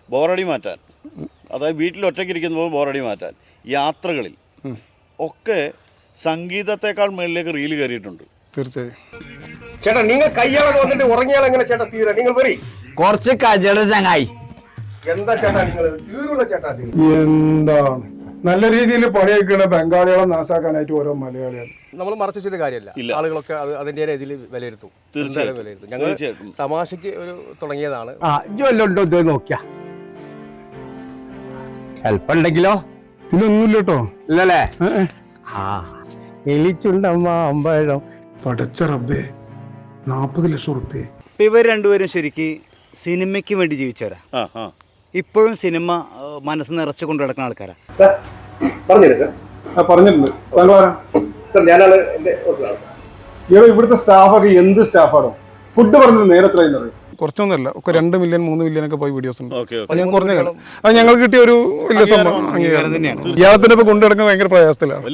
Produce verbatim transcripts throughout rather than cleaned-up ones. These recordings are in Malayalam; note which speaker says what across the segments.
Speaker 1: ബോറടി മാറ്റാൻ, അതായത് വീട്ടിൽ ഒറ്റയ്ക്കിരിക്കുമ്പോൾ ബോറടി മാറ്റാൻ, യാത്രകളിൽ ഒക്കെ സംഗീതത്തെക്കാൾ മേളിലേക്ക് റീല് കയറിയിട്ടുണ്ട്.
Speaker 2: തീർച്ചയായും
Speaker 3: ചേട്ടാ, നിങ്ങൾ കയ്യാളെ വന്നിട്ട് ഉറങ്ങിയാൽ എങ്ങനെ ചേട്ടാ തീരാ? നിങ്ങൾ വരി
Speaker 4: കുറച്ച് കജട ചങ്ങായി.
Speaker 3: എന്താ ചേട്ടാ നിങ്ങൾ തീരുള്ള ചേട്ടാ?
Speaker 2: എന്താണ് നല്ല രീതിയിൽ പണിയെടുക്കണ ബംഗാളികളെ നാശാക്കാനായിട്ട് ഓരോ മലയാളികൾ.
Speaker 3: നമ്മൾ മറച്ചു വെച്ചിട്ട് കാര്യമല്ല, ആളുകളൊക്കെ അത് അതിന്റെ രീതിയിൽ വിലയിരുത്തും.
Speaker 1: തീർച്ചയായും
Speaker 3: വിലയിരുത്തും. ഞങ്ങൾ തമാശക്ക് ഒരു തുടങ്ങിയതാണ്.
Speaker 4: ആ ജോലുണ്ടോ ഇത് നോക്കിയ ഹെൽപ്പുണ്ടെങ്കിലോ?
Speaker 2: ഇതിലൊന്നുമില്ല കേട്ടോ.
Speaker 4: ഇല്ലല്ലേ? ആ എലിച്ചുണ്ടമ്മ അമ്പഴം.
Speaker 2: പടച്ച റബ്ബേ, നാപ്പത് ലക്ഷം റുപ്യ.
Speaker 5: ഇവർ രണ്ടുപേരും ശരിക്ക് സിനിമയ്ക്ക് വേണ്ടി ജീവിച്ചവരാ. ഇപ്പോഴും സിനിമ മനസ്സ് നിറച്ചു കൊണ്ടു നടക്കുന്ന ആൾക്കാരാ.
Speaker 3: സാർ പറഞ്ഞില്ലേ സാർ?
Speaker 2: ആ പറഞ്ഞിട്ടുണ്ട്.
Speaker 3: സാർ ഞാനാണ് എന്റെ ഹോട്ടലാണ്.
Speaker 2: ഇവിടെ ഇവിടുത്തെ സ്റ്റാഫൊക്കെ എന്ത് സ്റ്റാഫാണോ? ഫുഡ് പറഞ്ഞത് നേരെ എത്രയെന്ന് പറയും. കുറച്ചൊന്നുമല്ല, ഒക്കെ രണ്ട് മില്യൺ മൂന്ന് മില്യൺ ഒക്കെ പോയി വീഡിയോസ് ഉണ്ട്. അത് ഞാൻ കുറഞ്ഞ കാലം അത് ഞങ്ങൾക്ക് കിട്ടിയ ഒരു വലിയ സംഭവം അംഗീകാരം തന്നെയാണ്. ഇയാളത്തിന്റെ ഇപ്പൊ കൊണ്ടു നടക്കാൻ ഭയങ്കര പ്രയാസത്തിലാണ്.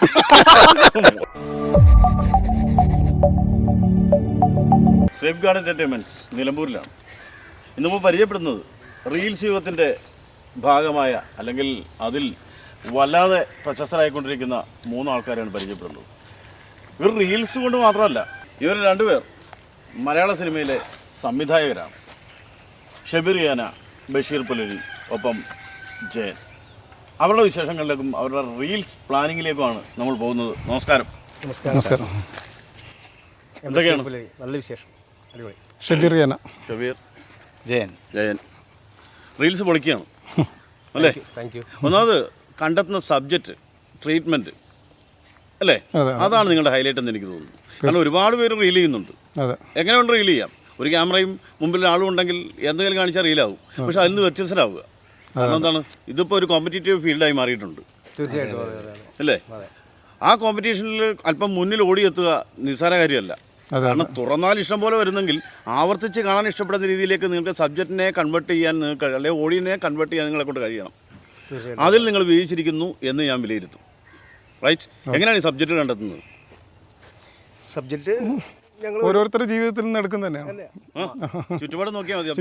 Speaker 1: സേഫ് ഗാർഡ് എന്റർടൈൻമെന്റ്സ് നിലമ്പൂരിലാണ് ഇന്ന് നമ്മൾ പരിചയപ്പെടുന്നത്. റീൽസ് യുഗത്തിൻ്റെ ഭാഗമായ അല്ലെങ്കിൽ അതിൽ വല്ലാതെ പ്രശസ്തരായിക്കൊണ്ടിരിക്കുന്ന മൂന്ന് ആൾക്കാരാണ് പരിചയപ്പെടുന്നത്. ഇവർ റീൽസ് കൊണ്ട് മാത്രമല്ല, ഇവർ രണ്ടുപേർ മലയാള സിനിമയിലെ സംവിധായകരാണ്. ഷബീർ യാന, ബഷീർ പുലരി, ഒപ്പം ജയൻ. അവരുടെ വിശേഷങ്ങളിലേക്കും അവരുടെ റീൽസ് പ്ലാനിങ്ങിലേക്കുമാണ് നമ്മൾ പോകുന്നത്. നമസ്കാരം.
Speaker 2: നമസ്കാരം.
Speaker 1: എന്തൊക്കെയാണ്?
Speaker 3: നല്ല വിശേഷം. അടിപൊളി.
Speaker 2: ഷബീർ യാന,
Speaker 5: ഷബീർ, ജയൻ.
Speaker 1: ജയൻ റീൽസ് പൊളിക്കുകയാണ് അല്ലേ?
Speaker 3: Thank you.
Speaker 1: ഒന്നാമത് കണ്ടെത്തുന്ന സബ്ജക്റ്റ്, ട്രീറ്റ്മെൻറ്റ് അല്ലേ, അതാണ് നിങ്ങളുടെ ഹൈലൈറ്റ് എന്ന് എനിക്ക് തോന്നുന്നു. കാരണം ഒരുപാട് പേര് റീൽ ചെയ്യുന്നുണ്ട്. എങ്ങനെ കൊണ്ട് റീൽ ചെയ്യാം? ഒരു ക്യാമറയും മുമ്പിൽ ആളും ഉണ്ടെങ്കിൽ എന്തെങ്കിലും കാണിച്ചാൽ റീലാവും. പക്ഷെ അതിൽ നിന്ന് വ്യത്യസ്തരാവുക. കാരണം എന്താണ്, ഇതിപ്പോൾ ഒരു കോമ്പറ്റീറ്റീവ് ഫീൽഡായി മാറിയിട്ടുണ്ട്.
Speaker 3: തീർച്ചയായിട്ടും
Speaker 1: അല്ലേ? ആ കോമ്പറ്റീഷനിൽ അല്പം മുന്നിൽ ഓടിയെത്തുക നിസ്സാര കാര്യമല്ല. കാരണം തുറന്നാൽ ഇഷ്ടം പോലെ വരുന്നെങ്കിൽ ആവർത്തിച്ച് കാണാൻ ഇഷ്ടപ്പെടുന്ന രീതിയിലേക്ക് നിങ്ങൾക്ക് സബ്ജക്റ്റിനെ കൺവേർട്ട് ചെയ്യാൻ നിങ്ങൾക്ക്, അല്ലെങ്കിൽ ഓഡിയനെ കൺവേർട്ട് ചെയ്യാൻ നിങ്ങളെ കൊണ്ട് കഴിയണം. അതിൽ നിങ്ങൾ വിജയിച്ചിരിക്കുന്നു എന്ന് ഞാൻ വിലയിരുത്തും. റൈറ്റ്? എങ്ങനെയാണ് ഈ സബ്ജക്റ്റ് കണ്ടെത്തുന്നത്?
Speaker 3: സബ്ജക്റ്റ് ഞങ്ങൾ
Speaker 2: ഓരോരുത്തരുടെ ജീവിതത്തിൽ നിന്ന് എടുക്കുന്ന തന്നെയാണ്.
Speaker 1: ചുറ്റുപാട് നോക്കിയാൽ മതി.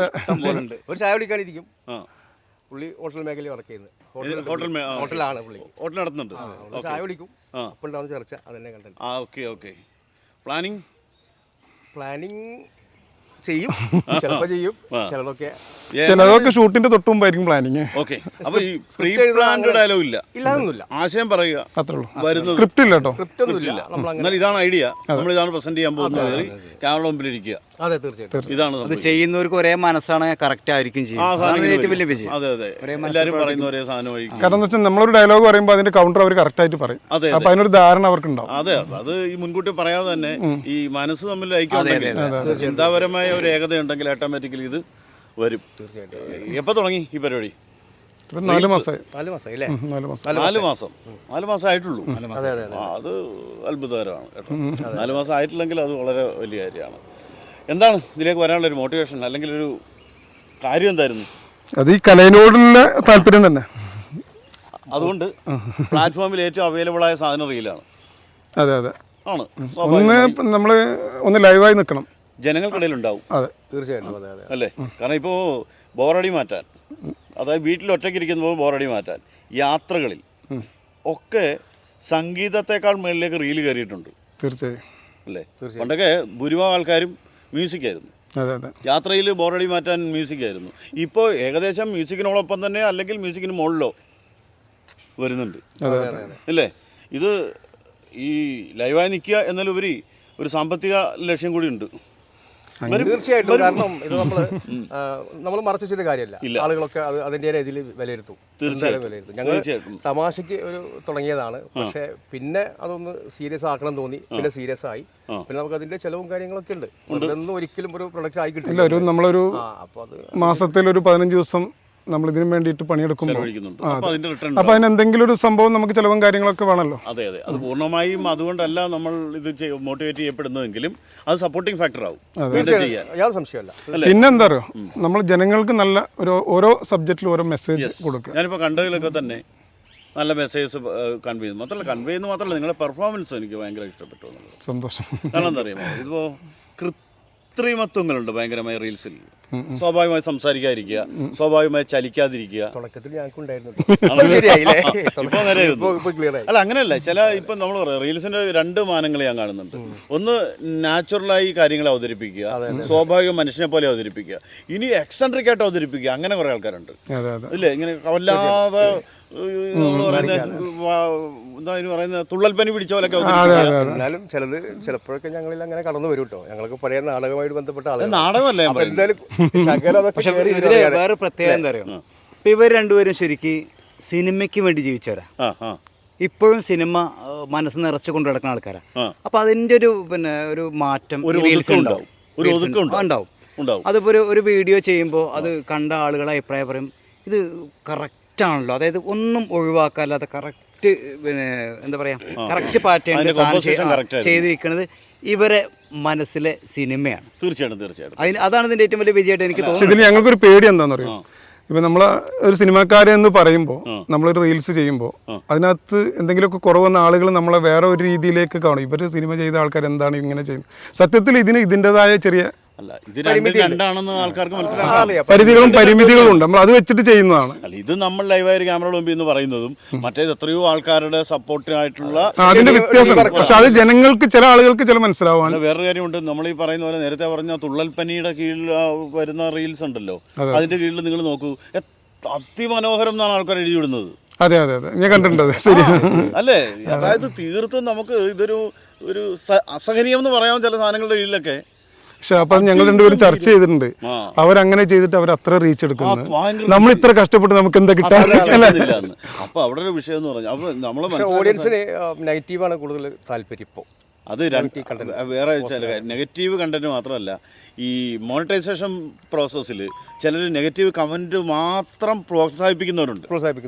Speaker 3: ഒരു ചായ കുടിക്കാനിരിക്കും. പുള്ളി ഹോട്ടൽ മേഖലയിൽ വർക്ക് ചെയ്യുന്നത്. ഹോട്ടലാണ് പുള്ളി.
Speaker 1: ഹോട്ടൽ നടത്തുന്നുണ്ട്.
Speaker 3: ചായ കുടിക്കും. അപ്പോൾ ഉണ്ടാവുന്ന ചർച്ച അതന്നെ കണ്ടത്.
Speaker 1: ആ ഓക്കെ ഓക്കെ. പ്ലാനിങ്
Speaker 3: പ്ലാനിങ് ചെയ്യും, ചിലപ്പോൾ ചെയ്യും, ചിലതൊക്കെ
Speaker 2: ചിലതൊക്കെ ഷൂട്ടിന്റെ തൊട്ട് മുമ്പായിരിക്കും പ്ലാനിങ്.
Speaker 1: ഓക്കെ. അപ്പൊ ഈ പ്രീ പ്ലാൻഡ് ഡയലോഗ് ഇല്ല,
Speaker 3: ഇല്ലാതൊന്നുമില്ല.
Speaker 1: ആശയം പറയുക
Speaker 2: അത്രേ ഉള്ളൂ. സ്ക്രിപ്റ്റ് ഇല്ല കേട്ടോ.
Speaker 3: സ്ക്രിപ്റ്റ് ഒന്നുമില്ല.
Speaker 1: എന്നാൽ ഇതാണ് ഐഡിയ, നമ്മൾ ഇതാണ് പ്രസന്റ് ചെയ്യാൻ പോകുന്നത്. ക്യാമറ മുമ്പിൽ ഇരിക്കുക.
Speaker 3: അതെ, തീർച്ചയായിട്ടും.
Speaker 1: ഇതാണ്
Speaker 5: അത് ചെയ്യുന്നവർക്ക് ഒരേ മനസ്സാണ്, കറക്റ്റ് ആയിരിക്കും ചെയ്യും. ഏറ്റവും വലിയ വിജയം.
Speaker 1: അതെ അതെ, എല്ലാവരും പറയുന്ന ഒരേ സാധനം ആയിരിക്കും.
Speaker 2: കാരണം എന്താ വെച്ചാൽ നമ്മളൊരു ഡയലോഗ് പറയുമ്പോൾ അതിന്റെ കൗണ്ടർ അവർ കറക്റ്റ് ആയിട്ട് പറയും. അപ്പൊ അതിനൊരു ധാരണ അവർക്ക് ഉണ്ടാവും.
Speaker 1: അതെ, അത് ഈ മുൻകൂട്ടി പറയാതെ തന്നെ ഈ മനസ്സ് തമ്മിൽ ഐക്യം, ചിന്താപരമായ ഒരു ഏകത ഉണ്ടെങ്കിൽ ഓട്ടോമാറ്റിക്കലി ഇത് വരും. എപ്പോൾ തുടങ്ങി ഈ പരിപാടി?
Speaker 2: നാല് മാസമായി.
Speaker 3: നാല് മാസം അല്ലേ?
Speaker 1: നാല് മാസം നാല് മാസം ആയിട്ടുള്ളൂ. അത് അത്ഭുതകരമാണ് കേട്ടോ. നാല് മാസം ആയിട്ടില്ലെങ്കിൽ അത് വളരെ വലിയ കാര്യമാണ്. എന്താണ് ഇതിലേക്ക് വരാനുള്ള ഒരു മോട്ടിവേഷൻ, അല്ലെങ്കിൽ ഒരു കാര്യം എന്തായിരുന്നു?
Speaker 2: അത് ഈ കലയിനോടുള്ള താല്പര്യം തന്നെ.
Speaker 1: അതുകൊണ്ട് പ്ലാറ്റ്ഫോമിൽ ഏറ്റവും അവൈലബിൾ ആയ സാധനം റീലാണ്.
Speaker 2: അതെ അതെ
Speaker 1: ആണ്.
Speaker 2: ഒന്ന് നമ്മള് ഒന്ന് ലൈവായി നിൽക്കണം,
Speaker 1: ജനങ്ങൾക്കിടയിൽ ഉണ്ടാവും.
Speaker 2: അതെ
Speaker 3: തീർച്ചയായിട്ടും. അതെ അതെ
Speaker 1: അല്ലേ? കാരണം ഇപ്പോൾ ബോറടി മാറ്റാൻ, അതായത് വീട്ടിൽ ഒറ്റയ്ക്കിരിക്കുമ്പോൾ ബോറടി മാറ്റാൻ, യാത്രകളിൽ ഒക്കെ സംഗീതത്തെക്കാൾ മേളിലേക്ക് റീല് കയറിയിട്ടുണ്ട്.
Speaker 2: തീർച്ചയായും
Speaker 1: അല്ലേ? പണ്ടൊക്കെ ഭൂരിഭാഗം ആൾക്കാരും മ്യൂസിക്കായിരുന്നു. യാത്രയിൽ ബോറടി മാറ്റാൻ മ്യൂസിക്കായിരുന്നു. ഇപ്പോൾ ഏകദേശം മ്യൂസിക്കിനോടൊപ്പം തന്നെ അല്ലെങ്കിൽ മ്യൂസിക്കിന് മുകളിലോ വരുന്നുണ്ട്. അല്ലേ? ഇത് ഈ ലൈവായി നിൽക്കുക എന്നതിലുപരി ഒരു സാമ്പത്തിക ലക്ഷ്യം കൂടി ഉണ്ട്.
Speaker 3: തീർച്ചയായിട്ടും. കാരണം ഇത് നമ്മള് നമ്മൾ മറച്ചു വെച്ചിട്ട് കാര്യമല്ല, ആളുകളൊക്കെ അത് അതിന്റെ രീതിയിൽ വിലയിരുത്തും. വിലയിരുത്തും. ഞങ്ങൾ തമാശക്ക് ഒരു തുടങ്ങിയതാണ്. പക്ഷെ പിന്നെ അതൊന്ന് സീരിയസ് ആക്കണം തോന്നി, പിന്നെ സീരിയസ് ആയി. പിന്നെ നമുക്ക് അതിന്റെ ചെലവും കാര്യങ്ങളൊക്കെ ഉണ്ട്. ഇതൊന്നും ഒരിക്കലും ഒരു പ്രൊഡക്റ്റ് ആയി കിട്ടില്ല.
Speaker 2: ഒരു നമ്മളൊരു മാസത്തിൽ ഒരു പതിനഞ്ച് ദിവസം നമ്മൾ ഇതിനു വേണ്ടിയിട്ട് പണിയെടുക്കുമ്പോൾ അപ്പൊ അതിന് എന്തെങ്കിലും ഒരു സംഭവം നമുക്ക് ചെലവും കാര്യങ്ങളൊക്കെ വേണമല്ലോ.
Speaker 1: അതെ അതെ, അത് പൂർണ്ണമായും അതുകൊണ്ടല്ല നമ്മൾ ഇത് മോട്ടിവേറ്റ് ചെയ്യപ്പെടുന്നതെങ്കിലും അത് സപ്പോർട്ടിംഗ് ഫാക്ടർ ആവും.
Speaker 2: പിന്നെന്താ അറിയോ, നമ്മൾ ജനങ്ങൾക്ക് നല്ല ഒരു ഓരോ സബ്ജക്റ്റിലും ഓരോ മെസ്സേജ് കൊടുക്കുക.
Speaker 1: ഞാനിപ്പോൾ കണ്ടതിലൊക്കെ തന്നെ നല്ല മെസ്സേജസ് കൺവേ ചെയ്യുന്നു. മാത്രമല്ല കൺവേ ചെയ്യുന്നു മാത്രമല്ല, നിങ്ങളുടെ പെർഫോമൻസ് എനിക്ക് ഭയങ്കര ഇഷ്ടപ്പെട്ടു എന്നുള്ളത്.
Speaker 2: സന്തോഷം.
Speaker 1: കാരണം എന്താ അറിയാമോ, ഇതിപ്പോൾ കൃത്രിമത്വങ്ങളുണ്ട് ഭയങ്കരമായ റീൽസിൽ. സ്വാഭാവികമായി സംസാരിക്കാതിരിക്കുക, സ്വാഭാവികമായി ചലിക്കാതിരിക്കുക.
Speaker 3: തുടക്കത്തിൽ ഞങ്ങൾക്ക്
Speaker 1: അല്ല അങ്ങനെയല്ല, ചില ഇപ്പം നമ്മൾ പറയാം റീൽസിന്റെ രണ്ട് മാനങ്ങൾ ഞാൻ കാണുന്നുണ്ട്. ഒന്ന് നാച്ചുറലായി കാര്യങ്ങൾ അവതരിപ്പിക്കുക, സ്വാഭാവിക മനുഷ്യനെ പോലെ അവതരിപ്പിക്കുക. ഇനി എക്സെൻട്രിക് ആയിട്ട് അവതരിപ്പിക്കുക, അങ്ങനെ കുറെ ആൾക്കാരുണ്ട് ഇല്ലേ, ഇങ്ങനെ വല്ലാതെ നമ്മൾ പറയുന്ന എന്താ പറയുന്നത് തുള്ളൽപ്പനി പിടിച്ച പോലൊക്കെ.
Speaker 3: എന്നാലും ചിലത് ചിലപ്പോഴൊക്കെ ഞങ്ങളിൽ അങ്ങനെ കടന്നു വരും കേട്ടോ. ഞങ്ങൾക്ക് പഴയ നാടകമായിട്ട് ബന്ധപ്പെട്ട ആളുകൾ.
Speaker 1: നാടകമല്ലേ
Speaker 3: എന്തായാലും
Speaker 5: വേറെ പ്രത്യേകത എന്താ അറിയോ, ഇപ്പൊ ഇവർ രണ്ടുപേരും ശരിക്ക് സിനിമയ്ക്ക് വേണ്ടി ജീവിച്ചവരാ. ഇപ്പോഴും സിനിമ മനസ്സ് നിറച്ചു കൊണ്ടു നടക്കുന്ന ആൾക്കാരാ. അപ്പൊ അതിന്റെ ഒരു പിന്നെ ഒരു മാറ്റം ഉണ്ടാവും. അതിപ്പോ ഒരു ഒരു വീഡിയോ ചെയ്യുമ്പോൾ അത് കണ്ട ആളുകളെ അഭിപ്രായം പറയും, ഇത് കറക്റ്റ് ആണല്ലോ, അതായത് ഒന്നും ഒഴിവാക്കാല്ലാതെ കറക്റ്റ് പിന്നെ എന്താ പറയാ കറക്റ്റ് പാറ്റേൺ ചെയ്തിരിക്കുന്നത് ഇവരെ മനസ്സിലെ സിനിമയാണ്.
Speaker 1: തീർച്ചയായിട്ടും തീർച്ചയായിട്ടും
Speaker 5: അതിന് അതാണ് ഇതിന്റെ ഏറ്റവും വലിയ വിജയമായിട്ട് എനിക്ക് തോന്നുന്നത്.
Speaker 2: ഇതിൽ ഞങ്ങൾക്കൊരു പേടി എന്താണെന്ന് അറിയാം, ഇപ്പം നമ്മൾ ഒരു സിനിമാക്കാരെ എന്ന് പറയുമ്പോൾ നമ്മളൊരു റീൽസ് ചെയ്യുമ്പോൾ അതിനകത്ത് എന്തെങ്കിലുമൊക്കെ കുറവെന്ന ആളുകൾ നമ്മളെ വേറെ ഒരു രീതിയിലേക്ക് കാണും. ഇവർ സിനിമ ചെയ്ത ആൾക്കാർ എന്താണ് ഇങ്ങനെ ചെയ്യുന്നത്. സത്യത്തിൽ ഇതിന് ഇതിൻ്റെതായ ചെറിയ പരിധികളും പരിമിതികളും ഉണ്ട്. നമ്മൾ അത് വെച്ചിട്ട് ചെയ്യുന്നതാണ്.
Speaker 1: ഇത് നമ്മൾ ലൈവായ ക്യാമറ മുമ്പിൽ എന്ന് പറയുന്നതും മറ്റേത് എത്രയോ ആൾക്കാരുടെ സപ്പോർട്ടിനായിട്ടുള്ള
Speaker 2: അതിന്റെ വ്യത്യാസം. പക്ഷെ അത് ജനങ്ങൾക്ക് ചില ആളുകൾക്ക് ചില മനസ്സിലാവാൻ
Speaker 1: വേറൊരു കാര്യമുണ്ട്. നമ്മൾ ഈ പറയുന്ന പോലെ നേരത്തെ പറഞ്ഞ തുള്ളൽപ്പനിയുടെ കീഴിൽ വരുന്ന റീൽസ് ഉണ്ടല്ലോ, അതിന്റെ കീഴിൽ നിങ്ങൾ നോക്കൂ, അതിമനോഹരം എന്നാണ് ആൾക്കാർ എഴുതി വിടുന്നത്.
Speaker 2: അതെ അതെ അതെ ഞാൻ കണ്ടിട്ടുണ്ട്. ശരി
Speaker 1: അല്ലേ? അതായത് തീർത്തും നമുക്ക് ഇതൊരു ഒരു അസഹനീയം എന്ന് പറയാൻ ചില സാധനങ്ങളുടെ കീഴിലൊക്കെ.
Speaker 2: പക്ഷെ അപ്പൊ ഞങ്ങൾ രണ്ടുപേരും ചർച്ച ചെയ്തിട്ടുണ്ട്, അവരങ്ങനെ ചെയ്തിട്ട് അവർ അത്ര റീച്ച് എടുക്കുന്നത്, നമ്മൾ ഇത്ര കഷ്ടപ്പെട്ട് നമുക്ക് എന്താ കിട്ടാൻ.
Speaker 1: അപ്പൊ അവിടെ ഒരു വിഷയം എന്ന് പറഞ്ഞാൽ അപ്പൊ നമ്മള്
Speaker 3: ഓഡിയൻസിന് നെഗറ്റീവാണ് കൂടുതൽ താല്പര്യം ഇപ്പോൾ.
Speaker 1: അത് വേറെ ചില നെഗറ്റീവ് കണ്ടന്റ് മാത്രമല്ല, ഈ മോണിറ്റൈസേഷൻ പ്രോസസ്സിൽ ചിലർ നെഗറ്റീവ് കമന്റ് മാത്രം പ്രോത്സാഹിപ്പിക്കുന്നവരുണ്ട്.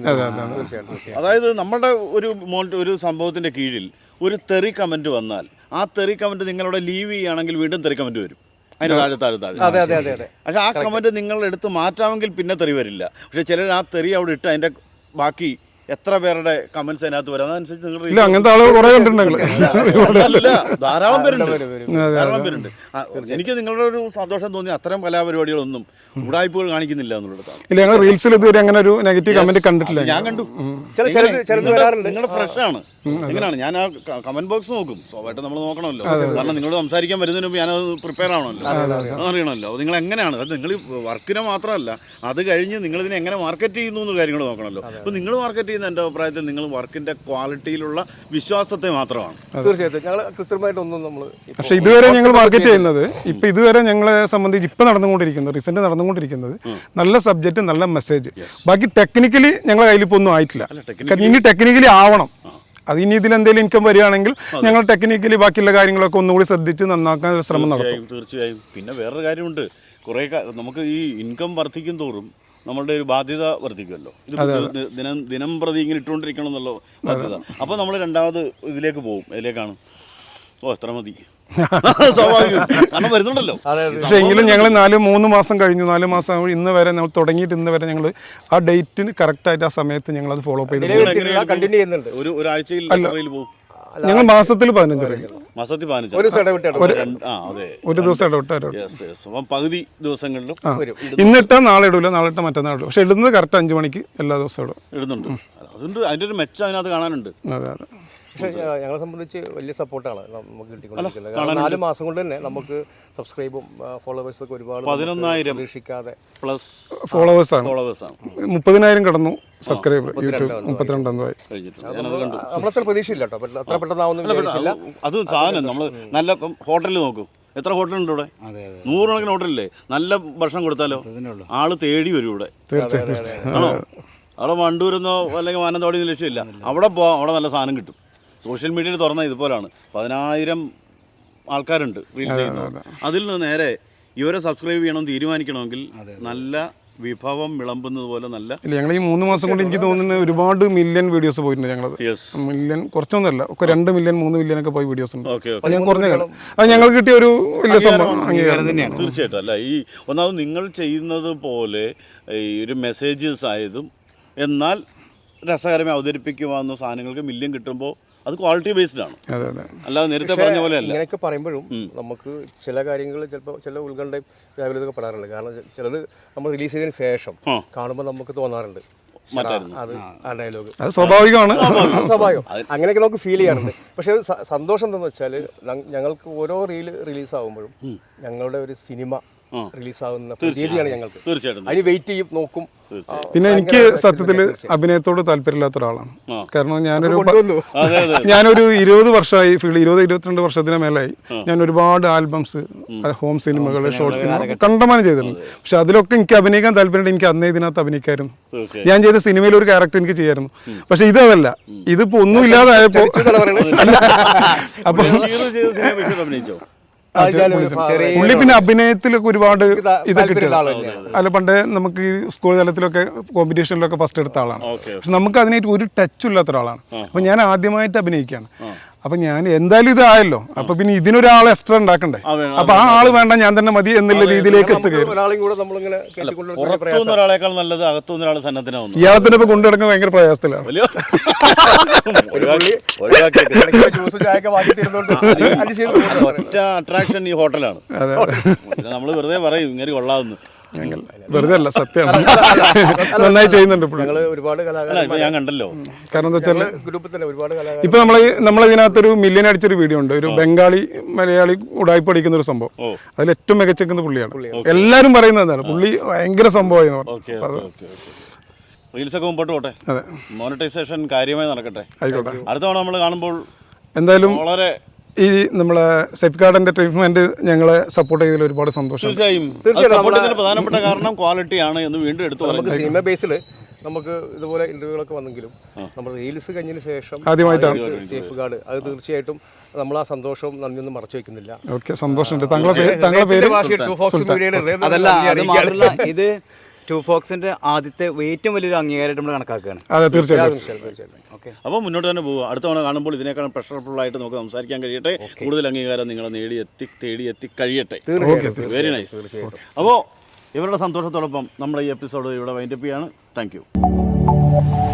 Speaker 1: അതായത് നമ്മുടെ ഒരു ഒരു സംഭവത്തിന്റെ കീഴിൽ ഒരു തെറി കമന്റ് വന്നാൽ ആ തെറി കമന്റ് നിങ്ങളുടെ ലീവ് ചെയ്യുകയാണെങ്കിൽ വീണ്ടും തെറി കമന്റ് വരും അതിന്റെ താഴെ താഴെ താഴെ. പക്ഷെ ആ കമന്റ് നിങ്ങൾ എടുത്ത് മാറ്റാമെങ്കിൽ പിന്നെ തെറി വരില്ല. പക്ഷെ ചിലർ ആ തെറി അവിടെ ഇട്ട് അതിന്റെ ബാക്കി എത്ര പേരുടെ കമന്റ്സ് അതിനകത്ത് വരും, അതനുസരിച്ച് നിങ്ങൾ
Speaker 2: അങ്ങനത്തെ ആളുകൾ കുറെ കണ്ടിട്ടുണ്ടെങ്കിൽ
Speaker 1: ധാരാളം പേരുണ്ട് ധാരാളം പേരുണ്ട് എനിക്ക് നിങ്ങളുടെ ഒരു സന്തോഷം തോന്നി അത്തരം കലാപരിപാടികളൊന്നും ഉടായ്പകൾ കാണിക്കുന്നില്ല എന്നുള്ളതാണ്.
Speaker 2: ഇല്ല, ഞങ്ങൾ റീൽസിൽ ഇതുവരെ അങ്ങനെ ഒരു നെഗറ്റീവ് കമന്റ് കണ്ടിട്ടില്ല.
Speaker 1: ഞാൻ കണ്ടു. നിങ്ങളുടെ ഫ്രഷ് ആണ്. എങ്ങനെയാണ് ഞാൻ ആ കമന്റ് ബോക്സ് നോക്കും. സ്വാഭാവികമായിട്ട് നമ്മൾ നോക്കണമല്ലോ, കാരണം നിങ്ങളോട് സംസാരിക്കാൻ വരുന്നതിന് മുമ്പ് ഞാനത് പ്രിപ്പയർ ആവണമല്ലോ, അറിയണമല്ലോ. നിങ്ങൾ എങ്ങനെയാണ് അത്, നിങ്ങൾ വർക്കിനെ മാത്രമല്ല അത് കഴിഞ്ഞ് നിങ്ങൾ ഇതിനെ എങ്ങനെ മാർക്കറ്റ് ചെയ്യുന്നു എന്ന കാര്യങ്ങൾ നോക്കണമല്ലോ. അപ്പോൾ നിങ്ങൾ മാർക്കറ്റ് ചെയ്യുന്ന എൻ്റെ അഭിപ്രായത്തിൽ നിങ്ങൾ വർക്കിന്റെ ക്വാളിറ്റിയിലുള്ള വിശ്വാസത്തെ മാത്രമാണ്.
Speaker 3: തീർച്ചയായിട്ടും ഞങ്ങൾ കൃത്യമായിട്ടൊന്നും നമ്മൾ
Speaker 2: പക്ഷേ ഇതുവരെ ഞങ്ങൾ മാർക്കറ്റ് ചെയ്യുന്നത് ഇപ്പം ഇതുവരെ ഞങ്ങളെ സംബന്ധിച്ച് ഇപ്പം നടന്നുകൊണ്ടിരിക്കുന്നത് റീസെന്റ് നടന്നുകൊണ്ടിരിക്കുന്നത് നല്ല സബ്ജക്റ്റ് നല്ല മെസ്സേജ്. ബാക്കി ടെക്നിക്കലി ഞങ്ങളുടെ കയ്യിൽ ഇപ്പോൾ ഒന്നും ആയിട്ടില്ല. ഇനി ടെക്നിക്കലി ആവണം. അത് ഇനി ഇതിൽ എന്തെങ്കിലും ഇൻകം വരികയാണെങ്കിൽ ഞങ്ങൾ ടെക്നിക്കലി ബാക്കിയുള്ള കാര്യങ്ങളൊക്കെ ഒന്നുകൂടി ശ്രദ്ധിച്ച് നന്നാക്കാൻ ശ്രമം നടത്തും.
Speaker 1: തീർച്ചയായും. പിന്നെ വേറൊരു കാര്യമുണ്ട്, കുറേ നമുക്ക് ഈ ഇൻകം വർദ്ധിക്കും തോറും നമ്മളുടെ ഒരു ബാധ്യത വർദ്ധിക്കുമല്ലോ. ഇത് ദിനം ദിനം പ്രതി ഇങ്ങനെ ഇട്ടുകൊണ്ടിരിക്കണം എന്നുള്ള ബാധ്യത. അപ്പോൾ നമ്മൾ രണ്ടാമത് ഇതിലേക്ക് പോകും. ഇതിലേക്കാണ് ഓ എത്ര മതി സ്വാഭാവികം, കാരണം വരുന്നുണ്ടല്ലോ.
Speaker 2: പക്ഷെ എങ്കിലും ഞങ്ങൾ നാല് മൂന്ന് മാസം കഴിഞ്ഞു, നാല് മാസം ഇന്ന് വരെ നമ്മൾ തുടങ്ങിയിട്ട് ഇന്ന് വരെ ഞങ്ങൾ ആ ഡേറ്റിന് കറക്റ്റായിട്ട് ആ സമയത്ത് ഞങ്ങൾ അത് ഫോളോ അപ്പ് ചെയ്ത്
Speaker 3: കണ്ടിന്യൂ ചെയ്യുന്നുണ്ട്.
Speaker 1: ഒരു ഒരാഴ്ചയിൽ പോകും.
Speaker 2: ഞങ്ങൾ മാസത്തിൽ പതിനഞ്ച് രൂപ
Speaker 1: മാസത്തിൽ പതിനഞ്ച്
Speaker 2: ഒരു ദിവസം ഇടവിട്ട്
Speaker 1: പകുതി ദിവസങ്ങളിലും
Speaker 2: ഇന്നിട്ടാ നാളെ ഇടൂല, നാളെ ഇട്ടാ മറ്റന്നാൾ ഇടും. പക്ഷെ ഇടുന്നത് കറക്റ്റ് അഞ്ചു മണിക്ക് എല്ലാ ദിവസവും ഇടും
Speaker 1: ഇടുന്നുണ്ട്. അതുകൊണ്ട് അതിന്റെ ഒരു മെച്ചം അതിനകത്ത് കാണാനുണ്ട്.
Speaker 2: അതെ അതെ.
Speaker 3: പക്ഷേ ഞങ്ങളെ സംബന്ധിച്ച് വലിയ സപ്പോർട്ടാണ് നമുക്ക് കിട്ടിക്കൊണ്ടിരിക്കുന്നത്. നാല് മാസം കൊണ്ട് തന്നെ നമുക്ക് സബ്സ്ക്രൈബും ഫോളോവേഴ്സും ഒക്കെ ഒരുപാട്
Speaker 1: പതിനൊന്നായിരം
Speaker 3: പ്രതീക്ഷിക്കാതെ
Speaker 1: പ്ലസ്
Speaker 2: ഫോളോവേഴ്സ് ആണ്.
Speaker 1: ഫോളോവേഴ്സ് ആണ്.
Speaker 2: മുപ്പതിനായിരം കടന്നു സബ്സ്ക്രൈബർ യൂട്യൂബ് മുപ്പത്തിരണ്ടായി.
Speaker 3: നമ്മളത്ര പ്രതീക്ഷയില്ല കേട്ടോ, അത്ര പെട്ടെന്നാവുന്ന.
Speaker 1: അത് സാധനം നമ്മൾ നല്ല ഹോട്ടലിൽ നോക്കും, എത്ര ഹോട്ടലുണ്ട് ഇവിടെ, നൂറുകണക്കിന് ഹോട്ടലില്ലേ. നല്ല ഭക്ഷണം കൊടുത്താലോ ആള് തേടി വരും ഇവിടെ.
Speaker 2: തീർച്ചയായും.
Speaker 1: ആണോ? അവിടെ വണ്ടൂരെന്നോ അല്ലെങ്കിൽ മാനന്തവാടിയോ ലക്ഷ്യമില്ല, അവിടെ പോവാം, അവിടെ നല്ല സാധനം കിട്ടും. സോഷ്യൽ മീഡിയയിൽ തുറന്ന ഇതുപോലാണ്. പതിനായിരം ആൾക്കാരുണ്ട് റീൽസ് ചെയ്യുന്നത്. അതിൽ നിന്ന് നേരെ ഇവരെ സബ്സ്ക്രൈബ് ചെയ്യണം തീരുമാനിക്കണമെങ്കിൽ നല്ല വിഭവം വിളമ്പുന്നത് പോലെ നല്ല.
Speaker 2: ഇല്ല, ഞങ്ങൾ ഈ മൂന്ന് മാസം കൊണ്ട് എനിക്ക് തോന്നുന്നത് ഒരുപാട് മില്യൺ വീഡിയോസ് പോയിട്ടുണ്ട്. ഞങ്ങളത് മില്യൺ കുറച്ചൊന്നുമല്ല, ഒക്കെ രണ്ട് മില്യൺ മൂന്ന് മില്യൺ ഒക്കെ പോയി വീഡിയോസ് ഉണ്ട്. ഞാൻ കുറഞ്ഞ കാലം അത് ഞങ്ങൾ കിട്ടിയ ഒരു വലിയ സംഭവം തന്നെയാണ്.
Speaker 1: തീർച്ചയായിട്ടും. അല്ല, ഈ ഒന്നാമത് നിങ്ങൾ ചെയ്യുന്നത് പോലെ ഈ ഒരു മെസ്സേജസ് ആയതും എന്നാൽ രസകരമായി അവതരിപ്പിക്കുവാന്ന സാധനങ്ങൾക്ക് മില്യൺ കിട്ടുമ്പോൾ അത് ക്വാളിറ്റി ബേസ്ഡ് ആണ്,
Speaker 2: അതെ അതെ
Speaker 1: അല്ലാതെ നേരത്തെ പറഞ്ഞ പോലെ അല്ല.
Speaker 3: ഇങ്ങനെയൊക്കെ പറയുമ്പോഴും നമുക്ക് ചില കാര്യങ്ങൾ ചിലപ്പോൾ ചില ഉത്കണ്ഠയും വ്യാകുലതയൊക്കെ പെടാറുണ്ട്. കാരണം ചിലത് നമ്മൾ റിലീസ് ചെയ്തതിന് ശേഷം കാണുമ്പോൾ നമുക്ക് തോന്നാറുണ്ട് അത് ആ ഡയലോഗ്
Speaker 2: അത് സ്വാഭാവികമാണ്,
Speaker 3: സ്വാഭാവികം, അങ്ങനെയൊക്കെ നമുക്ക് ഫീൽ ചെയ്യാറുണ്ട്. പക്ഷെ ഒരു സന്തോഷം എന്താണെന്ന് വെച്ചാൽ ഞങ്ങൾക്ക് ഓരോ റീല് റിലീസ് ആകുമ്പോഴും ഞങ്ങളുടെ ഒരു സിനിമ റിലീസാവുന്ന രീതിയാണ് ഞങ്ങൾക്ക്.
Speaker 1: തീർച്ചയായിട്ടും
Speaker 3: അതിന് വെയിറ്റ് ചെയ്യും, നോക്കും.
Speaker 2: പിന്നെ എനിക്ക് സത്യത്തില് അഭിനയത്തോട് താല്പര്യമില്ലാത്ത ഒരാളാണ്. കാരണം ഞാനൊരു ഞാനൊരു ഇരുപത് വർഷമായി ഫീൽഡ്, ഇരുപത് ഇരുപത്തിരണ്ട് വർഷത്തിന് മേലായി ഞാൻ ഒരുപാട് ആൽബംസ്, ഹോം സിനിമകൾ, ഷോർട്ട് സിനിമ കണ്ടമാനം ചെയ്തിട്ടുണ്ട്. പക്ഷെ അതിലൊക്കെ എനിക്ക് അഭിനയിക്കാൻ താല്പര്യമുണ്ട്. എനിക്ക് അന്നേ ഇതിനകത്ത് അഭിനയിക്കായിരുന്നു. ഞാൻ ചെയ്ത സിനിമയിൽ ഒരു ക്യാരക്ടർ എനിക്ക് ചെയ്യായിരുന്നു. പക്ഷെ ഇതല്ല, ഇതിപ്പോ ഒന്നും ഇല്ലാതായപ്പോ അപ്പൊ പുള്ളി പിന്നെ അഭിനയത്തിലൊക്കെ ഒരുപാട് ഇത് കിട്ടിയത് അല്ല. പണ്ടേ നമുക്ക് ഈ സ്കൂൾ തലത്തിലൊക്കെ കോമ്പറ്റീഷനിലൊക്കെ ഫസ്റ്റ് എടുത്ത ആളാണ്. പക്ഷെ നമുക്ക് അതിനായിട്ട് ഒരു ടച്ചും ഇല്ലാത്ത ഒരാളാണ്. അപ്പൊ ഞാൻ ആദ്യമായിട്ട് അഭിനയിക്കുകയാണ്. അപ്പൊ ഞാൻ എന്തായാലും ഇതായല്ലോ, അപ്പൊ പിന്നെ ഇതിനൊരാൾ എക്സ്ട്രാ ഉണ്ടാക്കണ്ടേ. അപ്പൊ ആ ആള് വേണ്ട, ഞാൻ തന്നെ മതി എന്നുള്ള രീതിയിലേക്ക് എത്തുകയാണ്.
Speaker 1: ഒരാളെക്കാൾ നല്ലത് അകത്തുനിന്ന് ഒരാൾ സന്നദ്ധനാവുന്നു.
Speaker 2: ഇയാളത്തിന്റെ ഇപ്പൊ കൊണ്ടുനടക്കാൻ ഭയങ്കര പ്രയാസത്തിലാണ്.
Speaker 1: ഒറ്റ അട്രാക്ഷൻ ഈ ഹോട്ടലാണ്. നമ്മൾ വെറുതെ പറയും ഇങ്ങനെ കൊള്ളാവുന്നു,
Speaker 2: വെറുതെ അല്ല, സത്യമാണ്. നന്നായി ചെയ്യുന്നുണ്ട്
Speaker 3: ഒരുപാട്
Speaker 1: ഞാൻ കണ്ടല്ലോ.
Speaker 2: കാരണം എന്താ വെച്ചാൽ
Speaker 3: ഗ്രൂപ്പിൽ തന്നെ ഒരുപാട്
Speaker 2: ഇപ്പൊ നമ്മള് നമ്മളിതിനകത്തൊരു മില്യൻ അടിച്ചൊരു വീഡിയോ ഉണ്ട്, ഒരു ബംഗാളി മലയാളി ഉടായ്പ അടിക്കുന്ന ഒരു സംഭവം. അതിൽ ഏറ്റവും മികച്ചെക്കുന്ന പുള്ളിയാണ്. എല്ലാരും പറയുന്നത് എന്താണ്, പുള്ളി ഭയങ്കര സംഭവമായി.
Speaker 1: റീൽസ് ഒക്കെ മുമ്പോട്ട് പോട്ടെ,
Speaker 2: അതെ,
Speaker 1: മോണിറ്റൈസേഷൻ കാര്യമായി നടക്കട്ടെ.
Speaker 2: ആയിക്കോട്ടെ.
Speaker 1: അടുത്ത തവണ നമ്മൾ കാണുമ്പോൾ
Speaker 2: എന്തായാലും
Speaker 1: വളരെ
Speaker 2: ഈ നമ്മളെ സെപ്കാർഡ് എന്റർടൈൻമെന്റ് ഞങ്ങളെ സപ്പോർട്ട് ചെയ്തതിൽ ഒരുപാട് സന്തോഷം.
Speaker 1: തീർച്ചയായും പ്രധാനപ്പെട്ട കാരണം ക്വാളിറ്റിയാണ് എന്ന് വീണ്ടും എടുത്തു.
Speaker 3: നമുക്ക് സിനിമ ബേസിൽ നമുക്ക് ഇതുപോലെ ഇന്റർവ്യൂകളൊക്കെ വന്നെങ്കിലും നമ്മൾ റീൽസ് കഴിഞ്ഞതിന് ശേഷം
Speaker 2: ആദ്യമായിട്ടാണ്
Speaker 3: സേഫ് ഗാർഡ്, അത് തീർച്ചയായിട്ടും നമ്മൾ ആ സന്തോഷവും നന്ദിയൊന്നും മറച്ചു വെക്കുന്നില്ല.
Speaker 2: ഓക്കെ, സന്തോഷമുണ്ട്. താങ്കളുടെ താങ്കളുടെ പേര്
Speaker 5: അതല്ല, അത് മാത്രമല്ല ഇത് ടു ഫോക്സിന്റെ ആദ്യത്തെ ഏറ്റവും വലിയൊരു അംഗീകാരമായിട്ട് നമ്മൾ കണക്കാക്കുകയാണ്.
Speaker 2: അതെ, തീർച്ചയായിട്ടും.
Speaker 1: അപ്പോൾ മുന്നോട്ട് തന്നെ പോകുക. അടുത്ത തവണ കാണുമ്പോൾ ഇതിനേക്കാൾ പ്രഷർഫുൾ ആയിട്ട് നമുക്ക് സംസാരിക്കാൻ കഴിയട്ടെ. കൂടുതൽ അംഗീകാരം നിങ്ങളെ നേടി എത്തി തേടി എത്തി കഴിയട്ടെ. Very nice. അപ്പോൾ ഇവരുടെ സന്തോഷത്തോടൊപ്പം നമ്മുടെ ഈ എപ്പിസോഡ് ഇവിടെ വൈൻഡപ്പ് ചെയ്യാണ്. Thank U.